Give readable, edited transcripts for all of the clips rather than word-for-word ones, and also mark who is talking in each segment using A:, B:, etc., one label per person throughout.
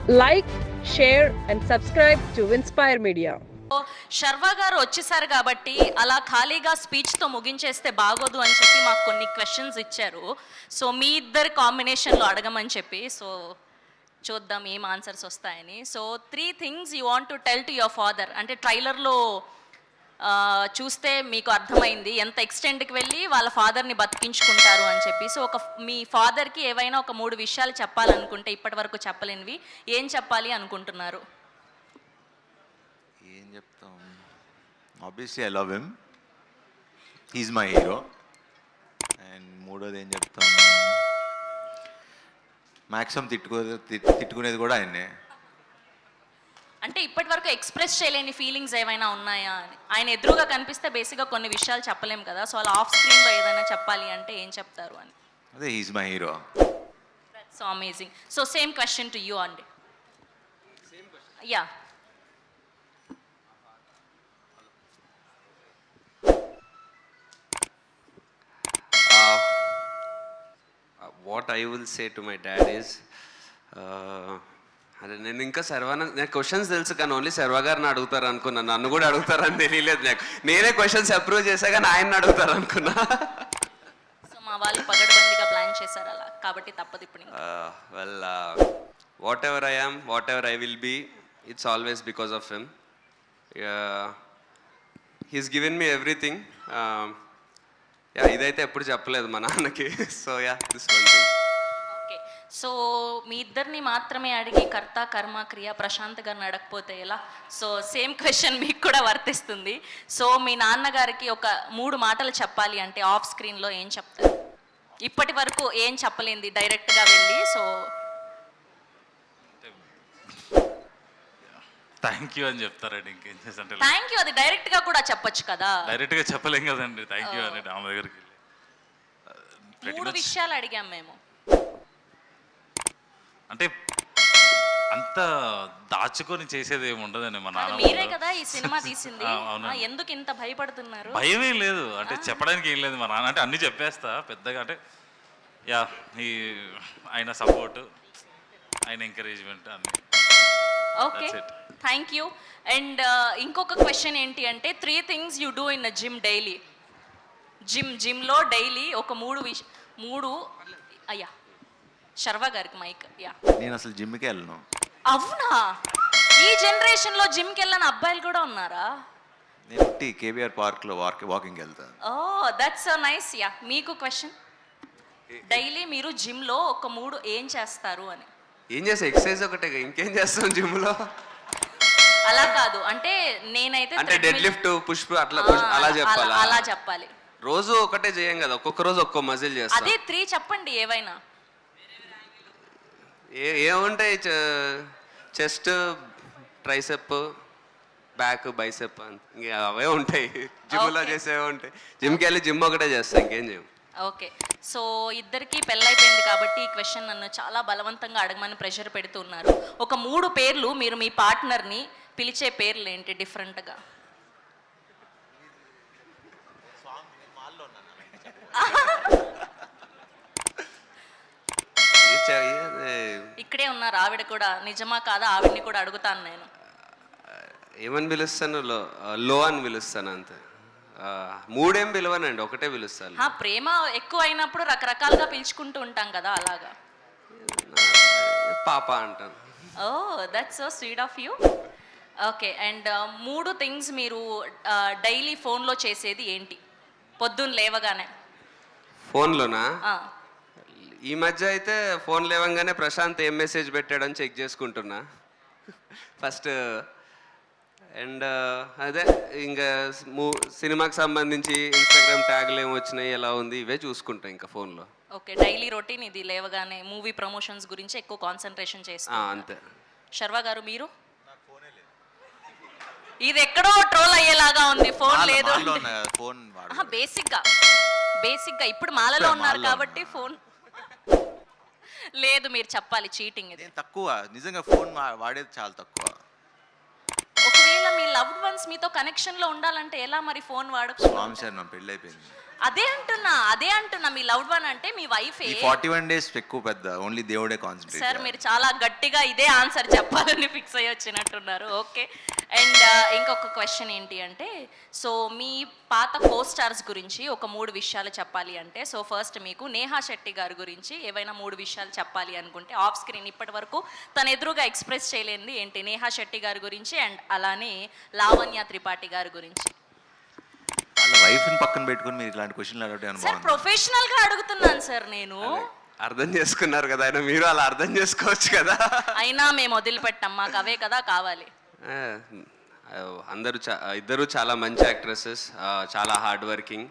A: Like, share and subscribe to Inspire Media.
B: Sharwa గారు వచ్చేసారు కాబట్టి అలా ఖాళీగా స్పీచ్తో ముగించేస్తే బాగోదు అని చెప్పి మాకు కొన్ని క్వశ్చన్స్ ఇచ్చారు. సో మీ ఇద్దరు కాంబినేషన్లో అడగమని చెప్పి, సో చూద్దాం ఏం ఆన్సర్స్ వస్తాయని. So 3 things you want to tell to your father. అంటే ట్రైలర్లో చూస్తే మీకు అర్థమైంది ఎంత ఎక్స్టెంట్కి వెళ్ళి వాళ్ళ ఫాదర్ని బతికించుకుంటారు అని చెప్పి. సో మీ ఫాదర్కి ఏవైనా ఒక 3 విషయాలు చెప్పాలనుకుంటే ఇప్పటి వరకు చెప్పలేనివి ఏం చెప్పాలి అనుకుంటున్నారు?
C: ఏం చెప్తాం, obviously I love him, he's my hero. And మూడోది ఏం చెప్తాం, మ్యాక్సిమం తిట్టుకునేది కూడా ఆయన్నే.
B: అంటే ఇప్పటి వరకు ఎక్స్ప్రెస్ చేయలేని ఫీలింగ్స్ ఏమైనా ఉన్నాయా అని. ఆయన ఎదురుగా కనిపిస్తే బేసిక్గా కొన్ని విషయాలు చెప్పలేము కదా, సో అలా ఆఫ్ స్క్రీన్లో ఏదైనా చెప్పాలి అంటే ఏం చెప్తారు అని.
C: అదే, he's my hero.
B: So amazing. So same question to you అండి. Yeah,
D: what I will say to my dad is, అదే నేను ఇంకా నాకు క్వశ్చన్స్ తెలుసు కానీ ఓన్లీ శర్వా గారిని అడుగుతారు అనుకున్నా, నన్ను కూడా అడుగుతారని తెలియలేదు నాకు. నేనే క్వశ్చన్స్ అప్రూవ్ చేశా కానీ ఆయన అడుగుతారు అనుకున్నా.
B: సో మా వాళ్ళు పగడబందిగా ప్లాన్ చేశారు అలా, కాబట్టి తప్పదు ఇప్పుడు.
D: Well, whatever I am, whatever I will be, it's always because of him. He's given me everything. Yeah, ఇదైతే ఎప్పుడు చెప్పలేదు మా నాన్నకి. So yeah, this one thing.
B: Okay, so మీ ఇద్దరిని మాత్రమే అడిగి కర్త కర్మ క్రియ ప్రశాంత్ గారిని అడగకపోతే ఎలా? సో సేమ్ క్వశ్చన్ మీకు కూడా వర్తిస్తుంది. సో మీ నాన్నగారికి ఒక 3 మాటలు చెప్పాలి అంటే ఆఫ్ స్క్రీన్లో ఏం చెప్తారు? ఇప్పటి వరకు ఏం చెప్పలేంది డైరెక్ట్గా వెళ్ళి. సో
E: థ్యాంక్ యూ అని చెప్తారండి, ఇంకేం చేస్తే.
B: థ్యాంక్ యూ అది డైరెక్ట్గా కూడా చెప్పొచ్చు కదా.
E: డైరెక్ట్గా చెప్పలేం కదండి థ్యాంక్ యూ అని ఆమె దగ్గరికి వెళ్ళి.
B: 3 విషయాలు అడిగాం మేము.
E: అంటే అంత దాచుకొని చేసేది ఏమి ఉండదండి మా నాన్న.
B: మీరే కదా ఈ సినిమా తీసింది, ఎందుకు ఇంత భయపడుతున్నారు?
E: భయం ఏం లేదు, అంటే చెప్పడానికి ఏం లేదు. మా నాన్న అంటే అన్ని చెప్పేస్తా పెద్దగా. అంటే యా, ఈ ఆయన సపోర్ట్, ఆయన ఎంకరేజ్మెంట్ అన్ని.
B: Okay, thank you. అండ్ ఇంకొక క్వశ్చన్ ఏంటి అంటే 3 things you do in gym daily. జిమ్లో డైలీ ఒక 3 అయ్యా శర్వా గారికి మైక్. యా,
C: నేను అసలు జిమ్కి వెళ్ళను.
B: అవునా? ఈ జనరేషన్లో జిమ్కి వెళ్ళని అబ్బాయిలు కూడా ఉన్నారా?
C: నేను కేబీఆర్ పార్క్లో వాకింగ్ వెళ్తాను.
B: Oh, that's so nice. Yeah, మీకు క్వశ్చన్, డైలీ మీరు జిమ్లో ఒక 3 ఏం చేస్తారు అని.
D: ఏం చేస్తా, ఎక్సర్సైజ్ ఒకటే, ఇంకేం చేస్తాం జిమ్లో?
B: అలా కాదు, అంటే నేనైతే
D: అంటే డెడ్ లిఫ్ట్, పుష్ అట్లా అలా చెప్పాలి.
B: అలా చెప్పాలి.
D: రోజు ఒకటే చేయం కదా, ఒక్కొక్క రోజు ఒక్కో మజిల్ చేస్తాం.
B: అదే 3 చెప్పండి ఏవైనా.
D: ఏముంటాయి, చెస్ట్, ట్రైసెప్, బ్యాక్, బైసెప్, ఇంకా అవే ఉంటాయి. జిమ్లో చేసేవే ఉంటాయి. జిమ్కి వెళ్ళి జిమ్ ఒకటే చేస్తాం, ఇంకేం చేయం.
B: ఓకే, సో ఇద్దరికి పెళ్ళైపోయింది కాబట్టి ఈ క్వశ్చన్ నన్ను చాలా బలవంతంగా అడగమని ప్రెషర్ పెడుతున్నారు. ఒక 3 పేర్లు, మీరు మీ పార్ట్నర్ని పిలిచే పేర్లు ఏంటి డిఫరెంట్గా? ఇక్కడే ఉన్నారు ఆవిడ కూడా, నిజమా కాదా ఆవిడని కూడా అడుగుతాను నేను.
D: ఏమని పిలుస్తాను? లో అని పిలుస్తాను అంతే. 3 ఏం పిలవనండి, ఒకటే పిలుస్తాను.
B: ప్రేమ ఎక్కువ అయినప్పుడు రకరకాలుగా పిలుచుకుంటూ ఉంటాం కదా, అలాగా.
D: పాప అంటాను.
B: Oh, that's so sweet of you. Okay, and 3 things మీరు డైలీ ఫోన్లో చేసేది ఏంటి పొద్దున్న లేవగానే?
D: ఫోన్లోనా? ఈ మధ్య అయితే ఫోన్ లేవంగానే ప్రశాంత్ ఏం మెసేజ్ పెట్టాడని చెక్ చేసుకుంటున్నా ఫస్ట్. అండ్ అదే ఇంకా సినిమాకి సంబంధించి ఇన్స్టాగ్రామ్ ట్యాగ్లు ఏమి వచ్చినాయి, ఎలా ఉంది, ఇవే చూసుకుంటా ఇంకా ఫోన్లో.
B: ఓకే, డైలీ రొటీన్ ఇది. లేవగానే మూవీ ప్రమోషన్స్ గురించి ఎక్కువ కాన్సన్ట్రేషన్ చేస్తా.
D: అంతే.
B: శర్వా గారు మీరు? ఇది ఎక్కడో ట్రోల్ అయ్యేలాగా ఉంది, ఫోన్ లేదు. బేసిక్గా ఇప్పుడు మాలలో ఉన్నారు కాబట్టి ఫోన్ లేదు. మీరు చెప్పాలి, చీటింగ్ ఇది.
C: తక్కువ, నిజంగా ఫోన్ వాడేది చాలా తక్కువ.
B: ఒకవేళ మీ లవ్డ్ వన్స్ మీతో కనెక్షన్లో ఉండాలంటే ఎలా మరి ఫోన్ వాడచ్చు?
C: పెళ్ళి అయిపోయింది.
B: అదే అంటున్నా మీ లవ్డ్ వన్ అంటే మీ వైఫే.
C: ఈ 41 days ఎక్కువ పెద్ద ఓన్లీ దేవుడే కాన్సన్ట్రేట్.
B: సార్ మీరు చాలా గట్టిగా ఇదే ఆన్సర్ చెప్పాలని ఫిక్స్ అయ్యి వచ్చినట్టున్నారు. ఓకే. అండ్ ఇంకొక క్వశ్చన్ ఏంటి అంటే, సో మీ పాత కో స్టార్స్ గురించి ఒక 3 విషయాలు చెప్పాలి అంటే, సో ఫస్ట్ మీకు నేహా శెట్టి గారి గురించి ఏవైనా 3 విషయాలు చెప్పాలి అనుకుంటే ఆఫ్ స్క్రీన్ ఇప్పటి వరకు తన ఎదురుగా ఎక్స్ప్రెస్ చేయలేనిది ఏంటి? నేహా శెట్టి గారి గురించి అండ్ అలానే లావణ్య త్రిపాఠి గారి గురించి.
C: వాళ్ళ వైఫ్ని పక్కన పెట్టుకుని మీరు ఇలాంటి క్వశ్చన్లు అడగడం
B: సార్ ప్రొఫెషనల్ గా అడుగుతున్నాను సార్ నేను.
D: అర్థం చేసుకున్నారు కదా ఆయన, మీరు అలా అర్థం చేసుకోవచ్చు కదా.
B: అయినా మేము వదిలిపెట్టాం, మాకు అవే కదా కావాలి.
D: ఇద్దరు చాలా మంచి యాక్ట్రెసెస్, చాలా హార్డ్ వర్కింగ్,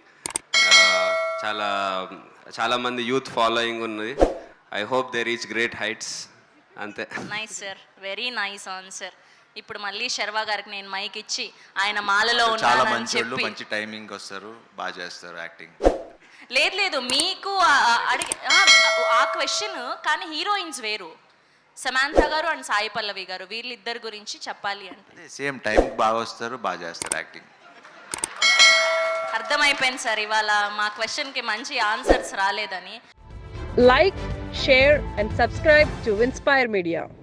D: చాలా మంది యూత్ ఫాలోయింగ్ ఉన్నది. I hope they reach great heights. అంతే.
B: Nice sir, very nice answer. ఇప్పుడు మళ్ళీ శర్వా గారికి నేను మైక్ ఇచ్చి ఆయన మాలలో
C: చాలా
B: ఉన్నానని
C: మంచి వాళ్ళు,
B: చెప్పి.
C: మంచి టైమింగ్ వస్తారు, బాగా చేస్తారు యాక్టింగ్.
B: లేదు మీకు అడిగి ఆ క్వశ్చన్ కానీ హీరోయిన్స్ వేరు. సమాంత గారు అండ్ సాయి పల్లవి గారు వీళ్ళిద్దరి గురించి చెప్పాలి అంటే
C: సేమ్ టైం బాగా వస్తారు, బాగా చేస్తారు యాక్టింగ్.
B: అర్థమైపోయింది సార్, ఇవాళ మా క్వశ్చన్కి మంచి ఆన్సర్స్ రాలేదని.
A: Like, share, and subscribe to Inspire Media.